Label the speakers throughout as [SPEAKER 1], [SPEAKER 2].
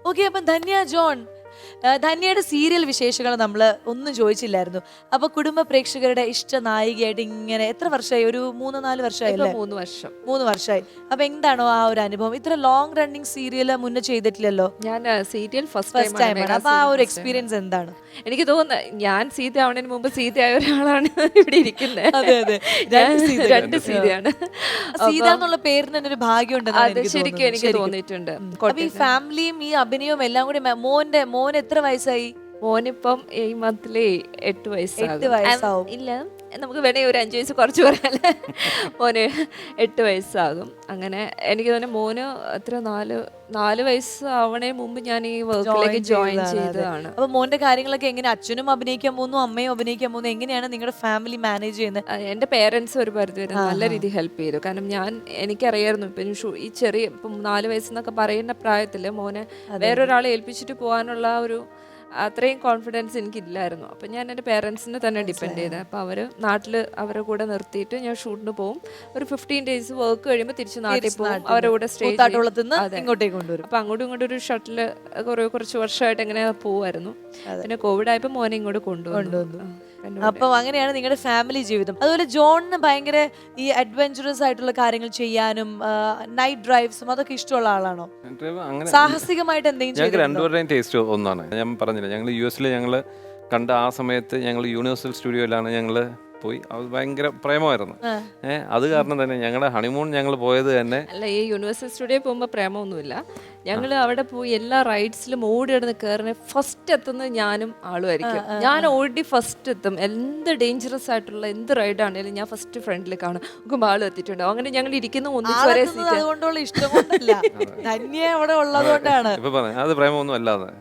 [SPEAKER 1] Okay, അപ്പം Dhanya John, ധന്യയുടെ serial വിശേഷങ്ങൾ നമ്മൾ ഒന്നും ചോദിച്ചില്ലായിരുന്നു. അപ്പൊ കുടുംബ പ്രേക്ഷകരുടെ ഇഷ്ട നായികയായിട്ട് ഇങ്ങനെ എത്ര വർഷമായി? ഒരു 3-4 വർഷമായില്ലേ?
[SPEAKER 2] 3 വർഷം.
[SPEAKER 1] 3 വർഷമായി. അപ്പൊ എന്താണോ ആ ഒരു അനുഭവം? ഇത്ര ലോങ് റണ്ണിങ് സീരിയൽ മുന്നേ ചെയ്തിട്ടില്ലല്ലോ.
[SPEAKER 2] ഞാൻ സീരിയൽ ഫസ്റ്റ്
[SPEAKER 1] ടൈമാണ്. അപ്പൊ ആ ഒരു എക്സ്പീരിയൻസ് എന്താണ്?
[SPEAKER 2] എനിക്ക് തോന്നുന്നത് ഞാൻ സീത ആവുന്നതിന് മുമ്പ് സീതയായ ഒരാളാണ് ഇവിടെ ഇരിക്കുന്നത്.
[SPEAKER 1] അതെ അതെ,
[SPEAKER 2] 2 സീതയാണ്.
[SPEAKER 1] സീത എന്നുള്ള പേരിന് തന്നെ ഒരു ഭാഗ്യം
[SPEAKER 2] അത് ശരിക്കും എനിക്ക് തോന്നിയിട്ടുണ്ട്.
[SPEAKER 1] ഈ ഫാമിലിയും ഈ അഭിനയവും എല്ലാം കൂടി മോൻ എത്ര വയസ്സായി?
[SPEAKER 2] മോനിപ്പം ഈ മന്തില് 8
[SPEAKER 1] വയസ്സാവും.
[SPEAKER 2] ഇല്ല, നമുക്ക് വേണേ ഒരു 5 വയസ്സ് കുറച്ച് പറയാല്ലേ. മോന് 8 വയസ്സാകും. അങ്ങനെ എനിക്ക് തന്നെ മോന് എത്ര 4 വയസ്സ് ആവണേ മുമ്പ് ഞാൻ ഈ വർക്കിലേക്ക് ജോയിൻ ചെയ്തതാണ്.
[SPEAKER 1] അപ്പൊ മോന്റെ കാര്യങ്ങളൊക്കെ എങ്ങനെ? അച്ഛനും അഭിനയിക്കാൻ പോകുന്നു, അമ്മയും അഭിനയിക്കാൻ പോകുന്നു, എങ്ങനെയാണ് നിങ്ങളുടെ ഫാമിലി മാനേജ് ചെയ്യുന്നത്?
[SPEAKER 2] എൻ്റെ പേരൻസ് ഒരു പരിധി വരെ നല്ല രീതിയിൽ ഹെൽപ്പ് ചെയ്തു. കാരണം എനിക്കറിയായിരുന്നു ഇപ്പം ഈ ചെറിയ ഇപ്പം 4 വയസ്സെന്നൊക്കെ പറയുന്ന പ്രായത്തില് മോനെ വേറൊരാളെ ഏൽപ്പിച്ചിട്ട് പോകാനുള്ള ഒരു അത്രയും കോൺഫിഡൻസ് എനിക്കില്ലായിരുന്നു. അപ്പം ഞാൻ എൻ്റെ പേരൻസിനെ തന്നെ ഡിപ്പെൻഡ് ചെയ്തത്. അപ്പോൾ അവർ നാട്ടിൽ അവരെ കൂടെ നിർത്തിയിട്ട് ഞാൻ ഷൂട്ടിന് പോകും. ഒരു 15 ഡേയ്സ് വർക്ക് കഴിയുമ്പോൾ തിരിച്ച് നാട്ടിൽ പോകും. അവരുടെ കൂടെ സ്റ്റേ
[SPEAKER 1] ഇങ്ങോട്ടേക്ക് കൊണ്ടുവരും.
[SPEAKER 2] അപ്പം അങ്ങോട്ടും ഇങ്ങോട്ടും ഒരു ഷട്ടിൽ കുറച്ച് വർഷമായിട്ട് എങ്ങനെ പോവായിരുന്നു. പിന്നെ കോവിഡ് ആയപ്പോൾ മോനെ ഇങ്ങോട്ട് കൊണ്ടുവന്നു.
[SPEAKER 1] അപ്പം അങ്ങനെയാണ് നിങ്ങളുടെ ഫാമിലി ജീവിതം. അതുപോലെ ജോണിന് ഭയങ്കര ഈ അഡ്വഞ്ചറസ് ആയിട്ടുള്ള കാര്യങ്ങൾ ചെയ്യാനും നൈറ്റ് ഡ്രൈവ്സും അതൊക്കെ ഇഷ്ടമുള്ള ആളാണോ? സാഹസികമായിട്ട് എന്തെങ്കിലും?
[SPEAKER 3] ഞങ്ങൾക്ക് രണ്ടുപേരുടെയും ടേസ്റ്റ് ഒന്നാണ്. ഞാൻ പറഞ്ഞില്ല, ഞങ്ങൾ US ഞങ്ങൾ കണ്ട ആ സമയത്ത് ഞങ്ങൾ യൂണിവേഴ്സൽ സ്റ്റുഡിയോയിലാണ് ഞങ്ങൾ പോയി. അത് ഭയങ്കര പ്രേമമായിരുന്നു. അത് കാരണം തന്നെ ഞങ്ങളുടെ ഹണിമൂൺ ഞങ്ങൾ പോയത് തന്നെ
[SPEAKER 2] അല്ല, ഈ യൂണിവേഴ്സൽ സ്റ്റുഡിയോ പോകുമ്പോൾ പ്രേമമൊന്നുമില്ല. ഞങ്ങൾ അവിടെ പോയി എല്ലാ റൈഡ്സിലും ഓടി കിടന്ന് കയറുന്ന ഫസ്റ്റ് എത്തുന്നത് ഞാനും ആളുമായിരിക്കും. ഞാൻ ഓടി ഫസ്റ്റ് എത്തും. എന്ത് ഡേഞ്ചറസ് ആയിട്ടുള്ള എന്ത് റൈഡാണെങ്കിലും ഞാൻ ഫസ്റ്റ് ഫ്രണ്ടിൽ കാണും. നമുക്ക് ആളും എത്തിയിട്ടുണ്ടാവും. അങ്ങനെ ഞങ്ങൾ ഇരിക്കുന്ന ഒന്നിച്ച് ഒരേ സീറ്റ്.
[SPEAKER 1] അതുകൊണ്ടുള്ള ഇഷ്ടം കൊണ്ടല്ല, ധന്യ അവിടെ ഉള്ളത് കൊണ്ടാണ്.
[SPEAKER 3] ഇപ്പൊ പറഞ്ഞു അത് പ്രേമൊന്നും അല്ലാതെ.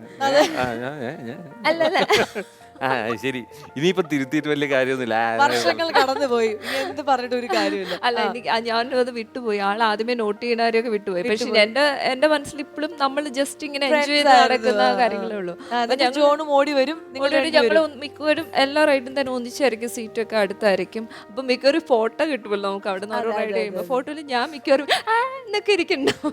[SPEAKER 2] അല്ലല്ല,
[SPEAKER 3] ശരി, ഇനിയിപ്പോ തിരുത്തിയിട്ട് വലിയ കാര്യമൊന്നുമില്ല.
[SPEAKER 1] വർഷങ്ങൾ കടന്നുപോയി, എന്ത് പറഞ്ഞിട്ട് ഒരു കാര്യമില്ല.
[SPEAKER 2] അല്ല, എനിക്ക് ഞാനത് വിട്ടുപോയി. ആൾ ആദ്യമേ നോട്ട് ചെയ്യുന്നവരെയൊക്കെ വിട്ടുപോയി. പക്ഷെ എന്റെ മനസ്സിൽ ഇപ്പോഴും നമ്മൾ ജസ്റ്റ് ഇങ്ങനെ എൻജോയ് ചെയ്ത് നടക്കുന്ന കാര്യങ്ങളേ ഉള്ളൂ.
[SPEAKER 1] ജോണും ഓടി വരും.
[SPEAKER 2] ഞങ്ങൾ മിക്കവരും എല്ലാ റൈഡും തന്നെ ഒന്നിച്ചായിരിക്കും, സീറ്റൊക്കെ അടുത്തായിരിക്കും. അപ്പൊ മിക്കവരും ഫോട്ടോ കിട്ടുമല്ലോ നമുക്ക് അവിടെ നിന്ന് റൈഡ് ചെയ്യുമ്പോൾ. ഫോട്ടോയിൽ ഞാൻ മിക്കവരും എന്നൊക്കെ ഇരിക്കണ്ടാവും.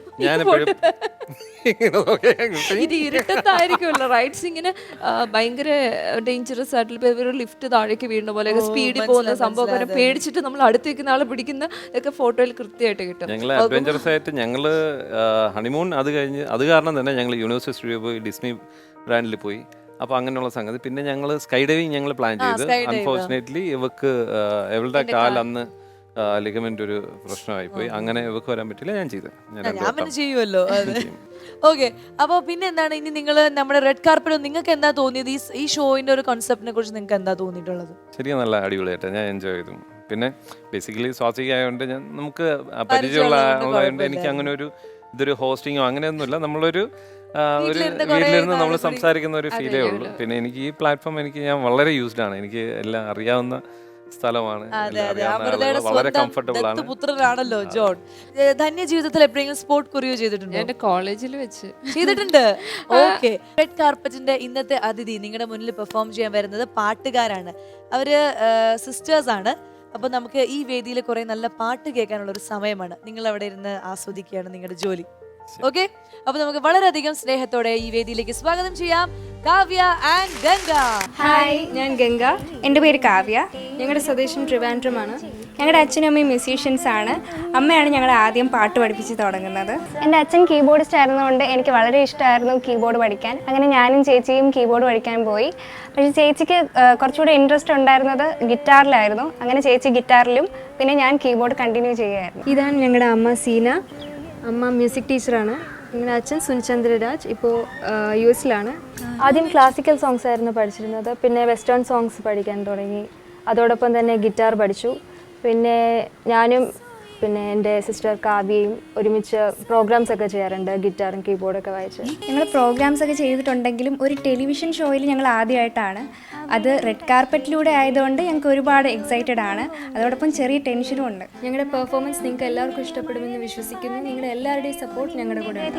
[SPEAKER 2] ഇത് ഇരുട്ടത്തായിരിക്കുമല്ലോ റൈഡ്സ്. ഇങ്ങനെ ഭയങ്കര ഡേഞ്ചറസ് ആയിട്ടുള്ള ലിഫ്റ്റ് താഴേക്ക് വീഴുന്ന പോലെ സ്പീഡിൽ പോകുന്ന സംഭവം പേടിച്ചിട്ട് നമ്മൾ അടുത്ത് വെക്കുന്ന ആളെ പിടിക്കുന്ന ഒക്കെ ഫോട്ടോയിൽ കൃത്യമായിട്ട് കിട്ടും.
[SPEAKER 3] ഞങ്ങൾ അഡ്വഞ്ചറസ് ആയിട്ട് ഞങ്ങൾ ഹണിമൂൺ അത് കഴിഞ്ഞ് അത് കാരണം തന്നെ ഞങ്ങൾ യൂണിവേഴ്സൽ സ്റ്റുഡിയോ പോയി, ഡിസ്നി ബ്രാൻഡിൽ പോയി. അപ്പോൾ അങ്ങനെയുള്ള സംഗതി. പിന്നെ ഞങ്ങൾ സ്കൈ ഡൈവിങ് ഞങ്ങൾ പ്ലാൻ ചെയ്ത് അൺഫോർച്ചുനേറ്റ്ലി ഇവളുടെ കാൽ അന്ന് ലിഗമെന്റ് ഒരു പ്രശ്നമായി പോയി. അങ്ങനെ ഇവക്ക് വരാൻ പറ്റില്ല. ഞാൻ ചെയ്തത്
[SPEAKER 1] ഞാൻ ചെയ്യുമല്ലോ. ഓക്കെ, അപ്പോൾ പിന്നെ എന്താണ് ഇനി നിങ്ങൾ നമ്മുടെ റെഡ് കാർപ്പറ്റ് നിങ്ങൾക്ക് എന്താ തോന്നിയത്? ഈ ഷോയിന്റെ ഒരു കോൺസെപ്റ്റിനെ കുറിച്ച് നിങ്ങൾക്ക് എന്താ തോന്നിയിട്ടുള്ളത്?
[SPEAKER 3] ശരിക്കും നല്ല അടിപൊളിയായിട്ട് ഞാൻ എൻജോയ് ചെയ്തു. പിന്നെ ബേസിക്കലി സ്വാസിക ആയതുകൊണ്ട് നമുക്ക് പരിചയമുള്ള ആളായതുകൊണ്ട് എനിക്ക് അങ്ങനെ ഇതൊരു ഹോസ്റ്റിങ്ങോ അങ്ങനെയൊന്നുമില്ല. നമ്മളൊരു വീട്ടിലിരുന്ന് നമ്മൾ സംസാരിക്കുന്ന ഒരു ഫീലേ ഉള്ളൂ. പിന്നെ എനിക്ക് ഈ പ്ലാറ്റ്ഫോം ഞാൻ വളരെ യൂസ്ഡ് ആണ്. എനിക്ക് എല്ലാം അറിയാവുന്ന സ്ഥലമാണ്. വളരെ കംഫർട്ടബിൾ ആണ്.
[SPEAKER 1] പുത്രനാണല്ലോ ജോൺ. ധന്യ ജീവിതത്തിൽ എപ്പോഴെങ്കിലും സ്പോർട്ട് കൊറിയോ ചെയ്തിട്ടുണ്ടോ?
[SPEAKER 2] എന്റെ കോളേജിൽ വെച്ച്
[SPEAKER 1] ചെയ്തിട്ടുണ്ട്. ഓക്കെ, റെഡ് കാർപ്പറ്റിന്റെ ഇന്നത്തെ അതിഥി നിങ്ങളുടെ മുന്നിൽ പെർഫോം ചെയ്യാൻ വരുന്നത് പാട്ടുകാരാണ്. അവര് സിസ്റ്റേഴ്സ് ആണ്. അപ്പൊ നമുക്ക് ഈ വേദിയിൽ കുറെ നല്ല പാട്ട് കേൾക്കാനുള്ള ഒരു സമയമാണ്. നിങ്ങൾ അവിടെ ഇരുന്ന് ആസ്വദിക്കുകയാണ് നിങ്ങളുടെ ജോലി. ഓക്കെ, അപ്പൊ നമുക്ക് വളരെയധികം സ്നേഹത്തോടെ ഈ വേദിയിലേക്ക് സ്വാഗതം ചെയ്യാം കാവ്യ ആൻഡ് ഗംഗ.
[SPEAKER 4] ഹായ്, ഞാൻ ഗംഗ. എൻ്റെ പേര് കാവ്യ. ഞങ്ങളുടെ സ്വദേശം ട്രിവാൻഡ്രമാണ്. ഞങ്ങളുടെ അച്ഛനും അമ്മയും മ്യൂസീഷ്യൻസ് ആണ്. അമ്മയാണ് ഞങ്ങളെ ആദ്യം പാട്ട് പഠിപ്പിച്ച് തുടങ്ങുന്നത്.
[SPEAKER 5] എൻ്റെ അച്ഛൻ കീബോർഡിസ്റ്റ് ആയിരുന്നതുകൊണ്ട് എനിക്ക് വളരെ ഇഷ്ടമായിരുന്നു കീബോർഡ് പഠിക്കാൻ. അങ്ങനെ ഞാനും ചേച്ചിയും കീബോർഡ് പഠിക്കാൻ പോയി. പക്ഷേ ചേച്ചിക്ക് കുറച്ചുകൂടി ഇൻട്രസ്റ്റ് ഉണ്ടായിരുന്നത് ഗിറ്റാറിലായിരുന്നു. അങ്ങനെ ചേച്ചി ഗിറ്റാറിലും പിന്നെ ഞാൻ കീബോർഡ് കണ്ടിന്യൂ ചെയ്യുമായിരുന്നു.
[SPEAKER 4] ഇതാണ് ഞങ്ങളുടെ അമ്മ സീന. അമ്മ മ്യൂസിക് ടീച്ചറാണ്. ഞങ്ങളുടെ അച്ഛൻ സുനിചന്ദ്രരാജ് ഇപ്പോൾ US
[SPEAKER 5] ആദ്യം ക്ലാസിക്കൽ സോങ്സ് ആയിരുന്നു പഠിച്ചിരുന്നത്. പിന്നെ വെസ്റ്റേൺ സോങ്സ് പഠിക്കാൻ തുടങ്ങി. അതോടൊപ്പം തന്നെ ഗിറ്റാർ പഠിച്ചു. പിന്നെ ഞാനും പിന്നെ എൻ്റെ സിസ്റ്റർ കാവ്യയും ഒരുമിച്ച് പ്രോഗ്രാംസ് ഒക്കെ ചെയ്യാറുണ്ട്, ഗിറ്റാറും കീബോർഡൊക്കെ വായിച്ച്.
[SPEAKER 4] ഞങ്ങൾ പ്രോഗ്രാംസ് ഒക്കെ ചെയ്തിട്ടുണ്ടെങ്കിലും ഒരു ടെലിവിഷൻ ഷോയിൽ ഞങ്ങൾ ആദ്യമായിട്ടാണ്. അത് റെഡ് കാർപ്പറ്റിലൂടെ ആയതുകൊണ്ട് ഞങ്ങൾക്ക് ഒരുപാട് എക്സൈറ്റഡ് ആണ്. അതോടൊപ്പം ചെറിയ ടെൻഷനും ഉണ്ട്. ഞങ്ങളുടെ പെർഫോമൻസ് നിങ്ങൾക്ക് എല്ലാവർക്കും ഇഷ്ടപ്പെടുമെന്ന് വിശ്വസിക്കുന്നു. നിങ്ങളുടെ എല്ലാവരുടെയും സപ്പോർട്ട് ഞങ്ങളുടെ കൂടെ ഉണ്ട്.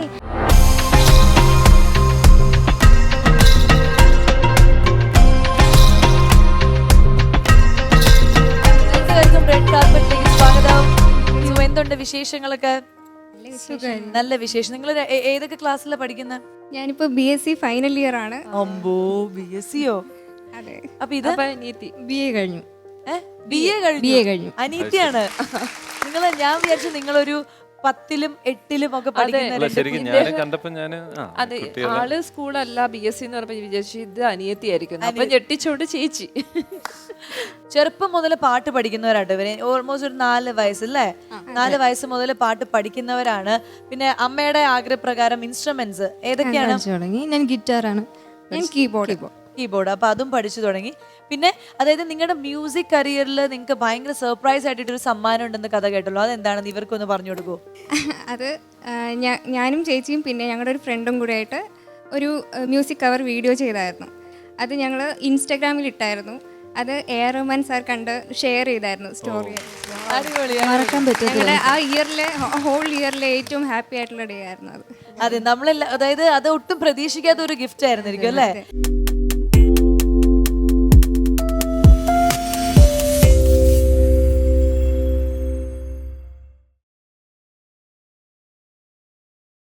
[SPEAKER 1] റെഡ് കാർപ്പറ്റിലേക്ക് സ്വാഗതം. എന്തുണ്ട് വിശേഷങ്ങളൊക്കെ? നല്ല വിശേഷം. നിങ്ങൾ ഏതൊക്കെ ക്ലാസ്സിലാണ് പഠിക്കുന്നത്?
[SPEAKER 4] ഞാനിപ്പോൾ BSc ഫൈനൽ ഇയർ ആണ്.
[SPEAKER 1] അമ്പോ BScയോ?
[SPEAKER 4] അതെ.
[SPEAKER 1] അപ്പൊ ഇത്
[SPEAKER 2] അനിയത്തി
[SPEAKER 6] BA കഴിഞ്ഞു.
[SPEAKER 1] BA കഴിഞ്ഞു. അനീതിയാണ്. ഞാൻ വിചാരിച്ചു നിങ്ങളൊരു 10ലും 8ലും ഒക്കെ പഠിക്കുന്ന
[SPEAKER 3] ശരിക്കും ഞാൻ കണ്ടപ്പോ ഞാന്
[SPEAKER 2] അതെ, ആള് സ്കൂളല്ല BSc എന്ന് പറഞ്ഞപ്പോ വിചാരിച്ചു ഇത് അനിയത്തിയായിരിക്കും. അപ്പൊ ഞെട്ടിച്ചോണ്ട് ചേച്ചി.
[SPEAKER 1] ചെറുപ്പം മുതൽ പാട്ട് പഠിക്കുന്നവരാട്ടോ ഇവര്. ഓൾമോസ്റ്റ് ഒരു 4 വയസ്സല്ലേ? 4 വയസ്സ് മുതൽ പാട്ട് പഠിക്കുന്നവരാണ്. പിന്നെ അമ്മയുടെ ആഗ്രഹപ്രകാരം ഇൻസ്ട്രുമെന്റ്സ് ഏതൊക്കെയാണ്?
[SPEAKER 6] തുടങ്ങി ഞാൻ ഗിറ്റാറാണ്, ഞാൻ കീബോർഡ്.
[SPEAKER 1] അപ്പൊ അതും പഠിച്ചു തുടങ്ങി. പിന്നെ അതായത് നിങ്ങളുടെ മ്യൂസിക് കരിയറിൽ നിങ്ങൾക്ക് ഭയങ്കര സർപ്രൈസ് ആയിട്ടൊരു സമ്മാനം ഉണ്ടെന്ന് കഥ കേട്ടല്ലോ, അതെന്താണെന്ന് ഇവർക്കൊന്ന് പറഞ്ഞു കൊടുക്കുമോ? അത്
[SPEAKER 4] ഞാനും ചേച്ചിയും പിന്നെ ഞങ്ങളുടെ ഒരു ഫ്രണ്ടും കൂടെ ആയിട്ട് ഒരു മ്യൂസിക് കവർ വീഡിയോ ചെയ്തായിരുന്നു. അത് ഞങ്ങൾ ഇൻസ്റ്റാഗ്രാമിൽ ഇട്ടായിരുന്നു. അത് A.R. റഹ്മാൻ സാർ കണ്ട് ഷെയർ ചെയ്തായിരുന്നു സ്റ്റോറി.
[SPEAKER 6] മറക്കാൻ പറ്റും.
[SPEAKER 4] ഞങ്ങളുടെ ആ ഇയറിലെ ഹോൾ ഇയറിലെ ഏറ്റവും ഹാപ്പി ആയിട്ടുള്ള ഡേ ആയിരുന്നു അത്.
[SPEAKER 1] അതെ, നമ്മളെല്ലാം അതായത് അത് ഒട്ടും പ്രതീക്ഷിക്കാത്ത ഒരു ഗിഫ്റ്റ് ആയിരുന്നിരിക്കും അല്ലേ?